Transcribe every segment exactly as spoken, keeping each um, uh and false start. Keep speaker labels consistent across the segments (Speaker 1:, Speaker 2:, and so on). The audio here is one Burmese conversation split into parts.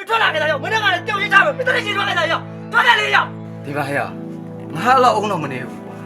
Speaker 1: ထွက်လာခဲ့တာရောမင်းကလည်းကြောက်ရကြပဲမင်းတို့ချင်းထွက်ခဲ့တာရောထွက်ခဲ့လေရောဒီပါဟဲ့ငါအဲ့လောက်အောင်တော့မနေဘူးကွာ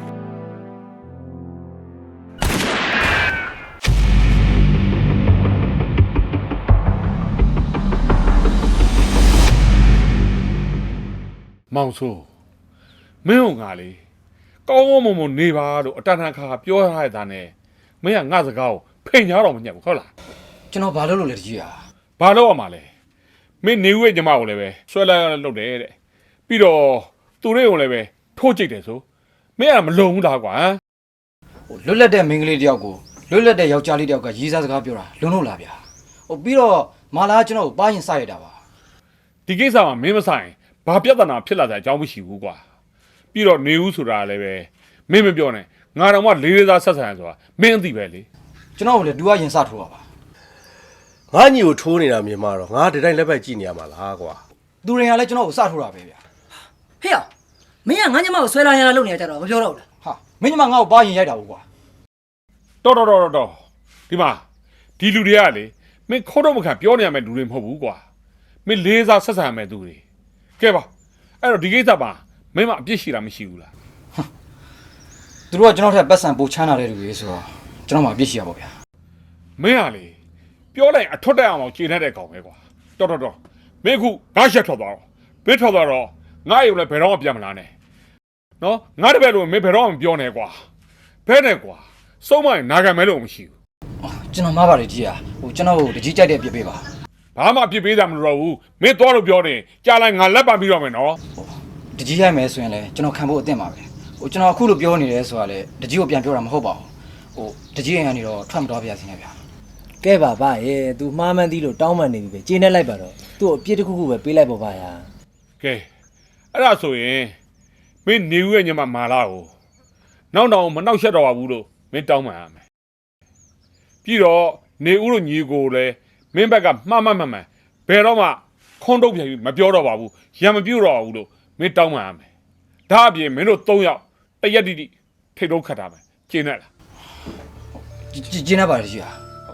Speaker 2: မောင်ဆိုးမင်းတို့ငါလေကောင်းကောင်းမွန်မွန်နေပါလို့အတန်တန်ခါပြောထားတဲ့သားနဲ့မင်းကငါစကားကိုဖိန်ညာတော့မညက်ဘူးဟုတ်လား
Speaker 1: ကျွန်တော်ဘာလုပ်လို့လဲတကြီးอ่ะ
Speaker 2: ဘာလုပ်ရမှာလဲမင်းနေဦးရဲ့ညီမကိုလည်းပဲဆွဲလိုက်ရလုပ်တယ်တဲ့ပြီးတော့သူတွေကိုလည်းပဲထိုးကြိတ်တယ်ဆိုမင်းကမလုံဘူးလားကွာ
Speaker 1: ဟိုလွတ်လပ်တဲ့မိန်းကလေးတယောက်ကိုလွတ်လပ်တဲ့ယောက်ျားလေးတယောက်ကရေးစားစကားပြောတာလုံလို့လားဗျာဟိုပြီးတော့မာလာကျွန်တော်ကိုပါရင်စရတာပါ
Speaker 2: ဒီကိစ္စမှာမင်းမဆိုင်ဘာပြဿနာဖြစ်လာတဲ့အကြောင်းမရှိဘူးကွာပြီးတော့နေဦးဆိုတာလည်းပဲမင်းမပြောနဲ့ငါတော့မှလေးလေးသားဆက်ဆံရဆိုတာမင်းအသိပဲလေ
Speaker 1: ကျွန်တော်ကလည်း तू ကရင်စထိုးပါပါ
Speaker 3: ငါညီကိုထိုးနေတာမြင်မှာတော့ငါဒီတိုင်းလက်ပိုက်ကြည့်နေရမှာလားကွာ
Speaker 1: သူတွေကလည်းကျွန်တော်ကိုစထိုးတာပဲဗျာ
Speaker 4: ဟေ့မင်းကငါညမကိုဆွဲလာရတာလုပ်နေကြတော့မပြောတော့ဘူးလား
Speaker 1: ဟာမင်းညမငါ့ကိုပါရင်ရိုက်တာဘူးကွာ
Speaker 2: တော်တော်တော်တော်ဒီမှာဒီလူတွေကလေမင်းခိုးတော့မခံပြောနေရမယ့်လူတွေမဟုတ်ဘူးကွာမင်းလေးစားဆက်ဆံရမယ့်သူတွေကဲပါအဲ့တော့ဒီကိစ္စပါမင်းမအပြစ်ရှိတာမရှိဘူးလား
Speaker 1: သူတို့ကကျွန်တော်ထက်ပတ်စံပိုချမ်းလာတဲ့လူတွေဆိုတော့ကျွန်တော်မှအပြစ်ရှိရပါဗျာ
Speaker 2: မင်းဟာလေပြောလိုက်အထွတ်တက်အောင်ခြေနဲ့တဲ့ကောင်ပဲကွာတော်တော်တော်မင်းခုငါရှက်ထွက်သွားတော့မင်းထွက်သွားတော့ငါရုံလည်းဘယ်တော့မှပြန်မလာနဲ့နော်ငါတပည့်လို့မင်းဘယ်တော့မှမပြောနဲ့ကွာဘဲနဲ့ကွာစုံမရင်နာခံမဲလို့မရှိဘူး
Speaker 1: ကျွန်တော်မှားပါတယ်ကြီးอ่ะဟိုကျွန်တော်ကိုတကြီးကြိုက်တဲ့အပြစ်ပေးပါ
Speaker 2: ဘာမှအပြစ်ပေးတာမလိုတော့ဘူးမင်းသွားလို့ပြောနေကြားလိုက်ငါလက်ပံပြီးတော့မယ်နော်
Speaker 1: တကြီးရိုက်မယ်ဆိုရင်လည်းကျွန်တော်ခံဖို့အသင့်ပါပဲဟိုကျွန်တော်အခုလိုပြောနေတယ်ဆိုတာလေတကြီးကိုပြန်ပြောတာမဟုတ်ပါဘူးဟိုတကြီးရင်ကနေတော့ထွက်မတော်ပြစင်းရဗျာ
Speaker 5: ကဲပါဗျရဲ့ तू မှားမှန်းသီးလို့တောင်းမှန်နေပြီပဲကျေးနဲ့လိုက်ပါတော့သူ့အပြစ်တစ်ခုခုပဲပေးလိုက်ပါဗျာ
Speaker 2: ကဲအဲ့ဒါဆိုရင်မင်းနေဦးရဲ့ညမမာလာကိုနောက်တော့မနှောက်ရက်တော့ပါဘူးလို့မင်းတောင်းမှန်ရမယ်ပြီးတော့နေဦးတို့ညီကိုလည်းမင်းဘက်ကမှားမှန်မှန်မှန်ဘယ်တော့မှခွန်းတုတ်ပြန်ပြီးမပြောတော့ပါဘူးရံမပြုတ်တော့ဘူးလို့မင်းတောင်းမှန်ရမယ်ဒါအပြင်မင်းတို့၃ယောက်တရက်တိတိထိတ်တော့ခတ်တာမယ်ကျင်းနဲ့လား
Speaker 1: ကျင်းနေပါလေကြီးဟာ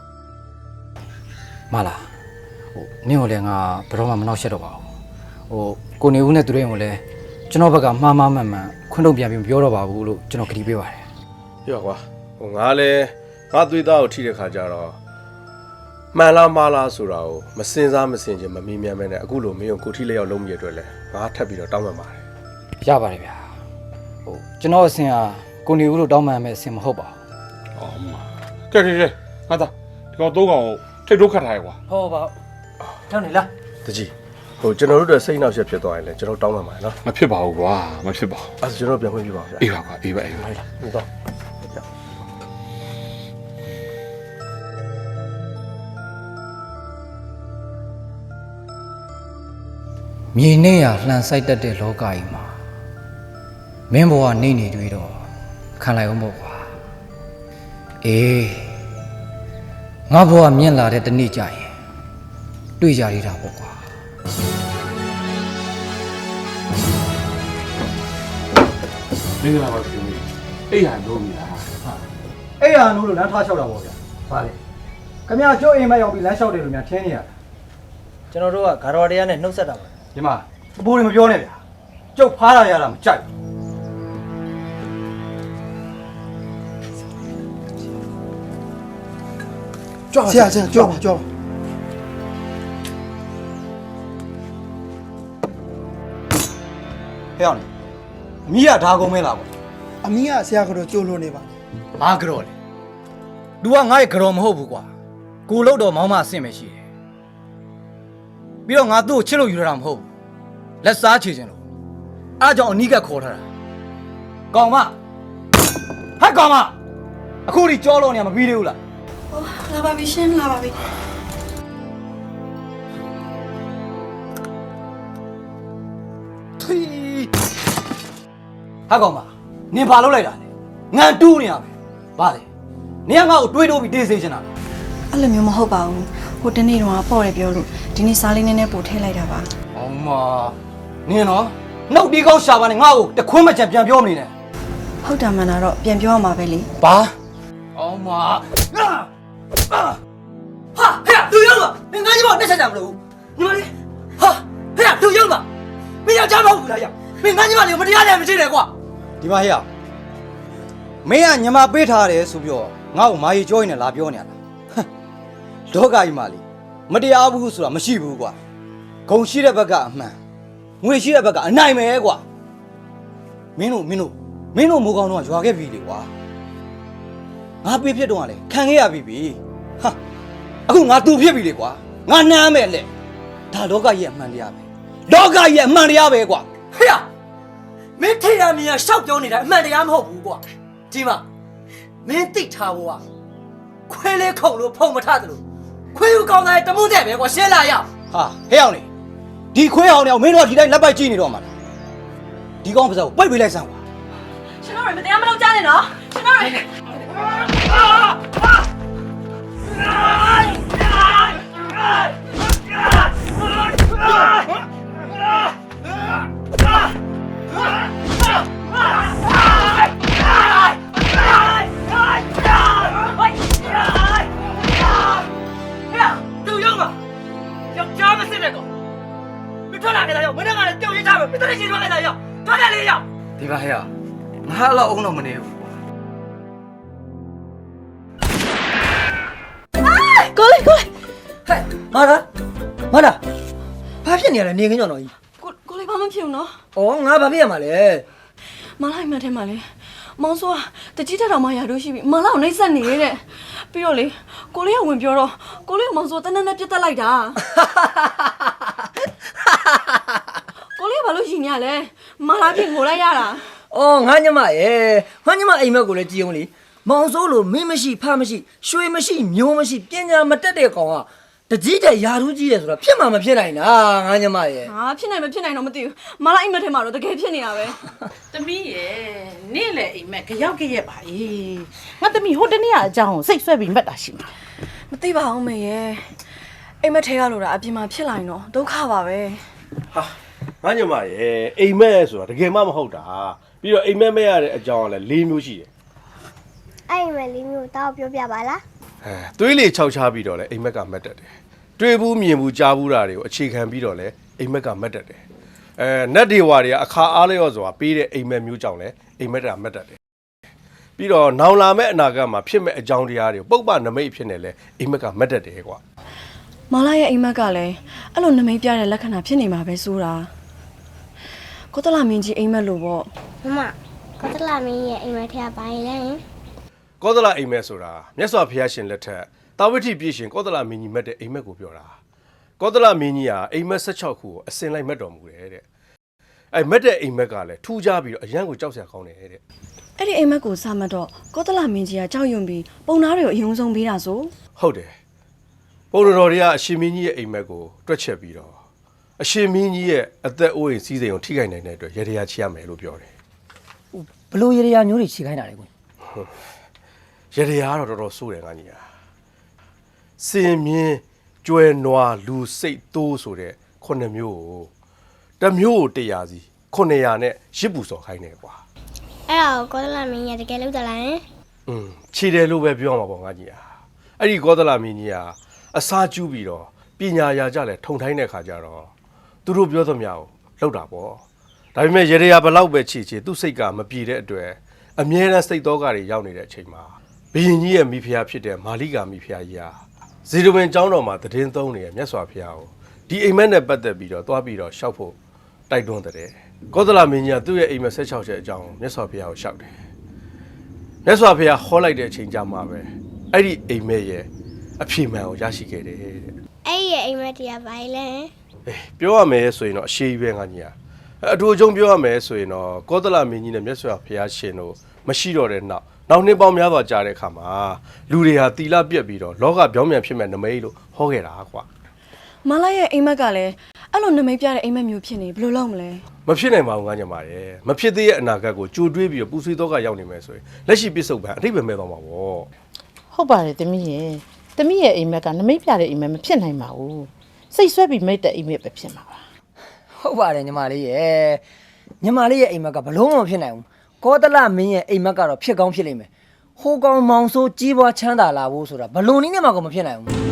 Speaker 1: မလားဟိုနင်းကိုလည်းငါဘယ်တော့မှမနှောက်ရှက်တော့ပါဘူးဟိုကိုနေဦးနဲ့သူတို့ရင်ကိုလည်းကျွန်တော်ဘက်ကမှားမှားမှန်မှန်ခွန်းတုတ်ပြန်ပြီးမပြောတော့ပါဘူးလို့ကျွန်တော်ကတိပေးပါတယ်
Speaker 3: ပြောကွာဟိုငါလည်းငါသွေးသားကိုထိတဲ့ခါကျတော့မှန်လားမှားလားဆိုတာကိုမစင်စားမစင်ချင်မမီးမြန်းမဲနဲ့အခုလိုမင်းကိုကိုထိလက်ရောက်လုံးမြည်အတွက်လဲငါထပ်ပြီးတော့တောင်းပန်ပါတယ်
Speaker 1: ရပါတယ်ဗျာဟိုကျွန်တော်အစင်ဟာကိုနေဦးလို့တောင်းပန်မယ်အစင်မဟုတ်ပါ
Speaker 2: ဘူးအော်မကဲကဲကဲငါသားဒီကောင်သုံးကောင်ကိုထိတ်တော့ခတ်ထားရကွာ
Speaker 1: ဟောပါထောင်းနေလား
Speaker 3: တကြီးဟိုကျွန်တော်တို့တွေစိတ်နှောက်ရက်ဖြစ်သွားရင်လည်းကျွန်တော်တောင်းပန်ပါတယ်နော်
Speaker 2: မဖြစ်ပါဘူးကွာမဖြစ်ပါဘူး
Speaker 3: အဲ့ဒါကျွန်တော်ပြန်ခွင့်ပြုပါဗျာ
Speaker 2: အေးပါကွာအေးပါအေးပါ
Speaker 3: ဟုတ်လားဟုတ်တော့
Speaker 1: မြေနဲ့ရလှန်ဆိုင်တတ်တဲ့လောကကြီးမှာမင်းဘဝနေနေတွေ့တော့ခံလိုက်အောင်ပေါ့ကွာအေးငါဘဝမြင့်လာတဲ့တနေ့ကြရင်တွေ့ကြရတာပေါ့ကွာ
Speaker 2: မင်္ဂလာပါရှင်အေးရလို့ပြီလား
Speaker 1: အေးရလို့လမ်းထားလျှောက်တာပေါ့ဗျာဗါလေခင်ဗျာကျိုးအိမ်မရောက်ပြီးလမ်းလျှောက်တယ်လို့များထင်းနေရတာ
Speaker 5: ကျွန်တော်တို့ကဂါတော်တရားနဲ့နှုတ်ဆက်တာပါ
Speaker 1: ဒီမှာအပိုးတွေမပြောနဲ့ဗျာကျုပ်ဖားရရတာမကြိုက်
Speaker 5: ကြွားဆရာဆရာကြွားပါကြွားပါ
Speaker 1: ဟဲ့အောင်အမီးကဒါကုန်မဲလားပေါ့
Speaker 5: အမီးကဆရာကတော့ကြိုးလို့နေပါ
Speaker 1: ဘာကြော်လဲ तू ကငါ့ရဲ့ကြော်မဟုတ်ဘူးကွာကိုလို့တော့မောင်းမအဆင့်ပဲရှိတယ်ပြီးတော့ငါသူ့ကိုချစ်လို့ယူရတာမဟုတ်ဘူးလက်စားချေခြင်းလို့အားကြောင့်အနီးကခေါ်ထားတာကောင်မဟဲ့ကောင်မအခုဒီကြောလို့နေမှာမပြီးသေးဘူးလား
Speaker 6: ဟိုလာပါပြီရှင်လာပါပြီ
Speaker 1: ထွီဟာကောင်မနင်ဘာလုပ်လိုက်တာလဲငန်တူးနေရမယ်ဘာလဲနင်ကငါ့ကိုတွေးတိုးပြီးတေးစေချင်တာ
Speaker 6: အဲ့လိုမျိုးမဟုတ်ပါဘူးဟိုတနေ့တော့ပေါ့တယ်ပြောလို့ဒီနေ့စားလေးနည်းနည်းပို့ထည့်လိုက်တာပါ
Speaker 1: အောင်မနင်နော်နှုတ်ဒီကောင်းရှာပါနဲ့ငါ့ကိုတခွန်းမချန်ပြန်ပြောမနေနဲ့
Speaker 6: ဟုတ်တာမှန်တာတော့ပြန်ပြောရမှာပဲလေ
Speaker 1: ဘာအောင်မဟာဟဲ့သူရောက်လာငါ့ကြီးမတက်ချက်ကြမလို့ညီမလေး
Speaker 4: ဟာဟဲ့လူရောက်ပါမင်းယောက်ျားမဟုတ်ဘူးလားယောက်မင်းငါညီမလေးကိုမတရားနဲ့မရှိနဲ့ကွာ
Speaker 1: ဒီမှာဟဲ့မင်းကညမပေးထားတယ်ဆိုပြီးတော့ငါ့ကိုမာရီကြောရင်လည်းလာပြောနေရတာလောကကြီးမှာလေမတရားဘူးဆိုတာမရှိဘူးကွာဂုံရှိတဲ့ဘက်ကအမှန်ငွေရှိတဲ့ဘက်ကအနိုင်ပဲကွာမင်းတို့မင်းတို့မင်းတို့မိုးကောင်းတော့ရွာခဲ့ပြီလေကွာငါပေးဖြစ်တော့ကလည်းခံခဲ့ရပြီပြီဟာအခုငါတူဖြစ်ပြီလေကွာငါနှမ်းမယ်လေဒါလောကကြီးရဲ့အမှန်တရားပဲလောကကြီးရဲ့အမှန်တရားပဲကွာ
Speaker 4: ဟဲ့မင်းထေရမြင်ရရှောက်ပြောနေတာအမှန်တရားမဟုတ်ဘူးကွာဒီမှာမင်းသိထားဖို့ကခွေးလေးခုံလို့ဖုံမထတယ်လို့ခွေးယူကောင်းတဲ့တမှုတဲ့ပဲကွာရှင်းလာရ
Speaker 1: ဟာဟဲ့အောင်လေဒီခွေးအောင်နေအောင်မင်းတို့ကဒီတိုင်းလက်ပိုက်ကြည့်နေတော့မှာလားဒီကောင်ပါစကိုပိတ်ပေးလိုက်စမ်းကွာ
Speaker 6: ရှင်တို့ရမတရားမလုပ်ကြနဲ့နော်ရှင်တို့ရ
Speaker 4: လူရောက်ပါယောက်ျားမစစ်တဲ့ကောင်မထွက်လာခဲ့တာရောက်မင်းကလည်းကြောက်ရချမယ်မင်းတို့ချင်းထွက်ခဲ့တာရောက်ထွက်တယ်လေရောက်
Speaker 1: ဒီပါဟဲ့ငါအဲ့လောက်အောင်တော့မနေဘူးကွာ
Speaker 6: ကိုလေးကိုလေး
Speaker 4: ဟဲ့မာတာမာတာဘာဖြစ်နေရလဲနေခင်းကြောင်တော်ကြီး
Speaker 6: ကိုကိုလေးဘာမှမဖြစ်ဘူးနော်
Speaker 4: ဩငါဘာဖြစ်ရမှာလဲ
Speaker 6: မလိုက်မှထဲမှာလေမောင်ဆိုးကတကြီးတက်တော်မှရာတို့ရှိပြီမလောက်နှိမ့်ဆက်နေတဲ့ပြီးတော့လေကိုလေးကဝင်ပြောတော့ကိုလေးကမောင်ဆိုးတန်းတန်းနဲ့ပြတ်တက်လိုက်တာကိုလေးကဘာလို့ရှင်နေရလဲမလာပြင်ငိုလိုက်ရတာ
Speaker 4: ဩငါညမရဲ့ငါညမအိမ်မက်ကိုလည်းကြည်အောင်လေမောင်စိုးလို့မင်းမရှိဖမရှိရွှေမရှိမျိုးမရှိပညာမတက်တဲ့ကောင်ကတကြီးတဲ့ယာထူးကြီးတယ်ဆိုတော့ဖြစ်မှာမဖြစ်နိုင်တာငါညမရဲ့
Speaker 6: ဟာဖြစ်နိုင်မဖြစ်နိုင်တော့မသိဘူးမလာအိမ်မက်ထဲမှာတော့တကယ်ဖြစ်နေတာပဲ
Speaker 7: သမီးရဲ့နေ့လေအိမ်မက်ကြောက်ကြရက်ပါလေငါသမီးဟိုတနေ့ကအကြောင်းကိုစိတ်ဆွဲပြီးမှတ်တာရှိမှာ
Speaker 6: မသိပါဘူးမေရဲ့အိမ်မက်ထဲကလို့တာအပြင်မှာဖြစ်လာရင်တော့ဒုက္ခပါပဲ
Speaker 3: ဟာငါညမရဲ့အိမ်မက်ဆိုတာတကယ်မှမဟုတ်တာပြီးတော့အိမ်မက်မဲ့ရတဲ့အကြောင်းကလည်း၄မျိုးရှိတယ်
Speaker 8: အဲ့မဲ့လေးမျိုးတောက်ပြောပြပါလား
Speaker 3: အဲသွေးလေခြောက်ချပြီးတော့လည်းအိမ်မက်ကမတ်တက်တယ်တွေ့ဘူးမြင်ဘူးကြားဘူးတာတွေကိုအခြေခံပြီးတော့လည်းအိမ်မက်ကမတ်တက်တယ်အဲနတ်ဒေဝါတွေကအခါအားလျော့စွာပေးတဲ့အိမ်မက်မျိုးကြောင့်လည်းအိမ်မက်ကမတ်တက်တယ်ပြီးတော့နောင်လာမဲ့အနာဂတ်မှာဖြစ်မဲ့အကြောင်းတရားတွေကိုပုပ္ပနမိတ်ဖြစ်နေလဲအိမ်မက်ကမတ်တက်တယ်ကွာ
Speaker 6: မလာရဲ့အိမ်မက်ကလည်းအဲ့လိုနမိတ်ပြတဲ့လက္ခဏာဖြစ်နေမှာပဲဆိုတာကိုတလာမင်းကြီးအိမ်မက်လို့ပေါ့
Speaker 8: မမကောတလာမင်းရဲ့အိမ်မက်ထဲကဘာလဲ
Speaker 3: ကောသလအိမ်မက်ဆိုတာမြတ်စွာဘုရားရှင်လက်ထက်တာဝိထိပြည့်ရှင်ကောသလမင်းကြီးမက်တဲ့အိမ်မက်ကိုပြောတာကောသလမင်းကြီးဟာအိမ်မက်၁၆ခုကိုအစင်လိုက်မက်တော်မူတယ်တဲ့အဲမက်တဲ့အိမ်မက်ကလည်းထူးခြားပြီးတော့အရန်ကိုကြောက်စရာကောင်းတယ်တဲ့
Speaker 6: အဲ့ဒီအိမ်မက်ကိုစမှတ်တော့ကိုတလာမင်းကြီးကကြောက်ရွံ့ပြီးပုံသားတွေကိုအယုံဆုံးပေးတာဆို
Speaker 3: ဟုတ်တယ်ပုံတော်တွေကအရှင်မင်းကြီးရဲ့အိမ်မက်ကိုတွက်ချက်ပြီးတော့အရှင်မင်းကြီးရဲ့အသက်အိုးအိမ်စီးစိမ်ကိုထိခိုက်နိုင်တဲ့အတွက်ရေတရားချရမယ်လို့ပြောတယ်
Speaker 4: ဘလို့ရေရာမျိုးတွေခြေခိုင်းတာလေကွ
Speaker 3: ရေတရားကတော့တော်တော်ဆိုးတယ်ငါကြီးဟာစင်မြင်းကျွဲနွားလူစိတ်သိုးဆိုတဲ့ခုနှစ်မျိုးကိုတစ်မျိုးကိုတရားစီခုနှစ်ရာနဲ့ရစ်ပူစော်ခိုင်းတယ်ကွာ
Speaker 8: အဲ့ဒါကိုကောတလာမင်းရဲ့တကယ်လို့တလားဟင်
Speaker 3: อืมခြေတယ်လို့ပဲပြောမှာပေါ့ငါကြီးဟာအဲ့ဒီကောသလမင်းကြီးဟာအစာကျူးပြီးတော့ပညာရာကြလဲထုံထိုင်းတဲ့ခါကျတော့သူတို့ပြောသမျှကိုလောက်တာပေါ့ဒါပေမဲ့ရေရရာဘလောက်ပဲခြေခြေသူ့စိတ်ကမပြေတဲ့အတွက်အမြဲတမ်းစိတ်တော်ကတွေရောက်နေတဲ့အချိန်မှာဘုရင်ကြီးရဲ့မိဖုရားဖြစ်တဲ့မာလိကာမိဖုရားကြီးဟာဇေဒဝင်ကျောင်းတော်မှာတည်င်းသုံးနေတဲ့မြတ်စွာဘုရားကိုဒီအိမ်မက်နဲ့ပတ်သက်ပြီးတော့တွားပြီးတော့ရှောက်ဖို့တိုက်တွန်းတဲ့ကောသလမင်းကြီးကသူ့ရဲ့အိမ်မက်၁၆ချက်အကြောင်းမြတ်စွာဘုရားကိုရှောက်တယ်မြတ်စွာဘုရားဟောလိုက်တဲ့အချိန်ကြမှာပဲအဲ့ဒီအိမ်မက်ရဲ့အဖြေမှန်ကိုရရှိခဲ့တယ်တဲ့
Speaker 8: အဲ့ရဲ့အိမ်မက်တရားဘာလဲဟင်
Speaker 3: အေးပြောရမယ်ဆိုရင်တော့အရှိကြီးပဲငါကြီးဟာအတူအကျုံပြောရမယ်ဆိုရင်တော့ကောသလမင်းကြီးနဲ့မြတ်စွာဘုရားရှင်တို့မရှိတော့တဲ့နောက်နောက်နှစ်ပေါင်းများစွာကြာတဲ့အခါမှာလူတွေဟာတီလာပြက်ပြီးတော့လောကပြောင်းပြန်ဖြစ်မဲ့နမိတ်လို့ဟောခဲ့တာကွာ
Speaker 6: မလာရဲ့အိမ်မက်ကလည်းအဲ့လိုနမိတ်ပြတဲ့အိမ်မက်မျိုးဖြစ်နေဘယ်လိုလုပ်မလဲ
Speaker 3: မဖြစ်နိုင်ပါဘူးငါညမရဲ့မဖြစ်သေးတဲ့အနာဂတ်ကိုကြိုတွေးပြီးတော့ပူဆွေးတော့ကရောက်နေမယ်ဆိုရင်လက်ရှိပြစ္ဆုတ်ပံအထိပ္ပယ်မဲ့သွားမှာပေါ့
Speaker 7: ဟုတ်ပါတယ်သမီးရဲ့သမီးရဲ့အိမ်မက်ကနမိတ်ပြတဲ့အိမ်မက်မဖြစ်နိုင်ပါဘူးစိတ်ဆွဲပြီးမိတ်တဲ့အိမ်မက်ပဲဖြစ်မှာပါ
Speaker 4: ဟုတ်ပါတယ်ညီမလေးရဲ့ညီမလေးရဲ့အိမ်မက်ကဘလုံးမဖြစ်နိုင်ဘူးကောတလမင်းရဲ့အိမ်မက်ကတော့ဖြစ်ကောင်းဖြစ်လိမ့်မယ်ဟိုကောင်မောင်ဆိုးကြီးပွားချမ်းသာလာဖို့ဆိုတာဘလုံးနည်းနဲ့မှကိုမဖြစ်နိုင်ဘူး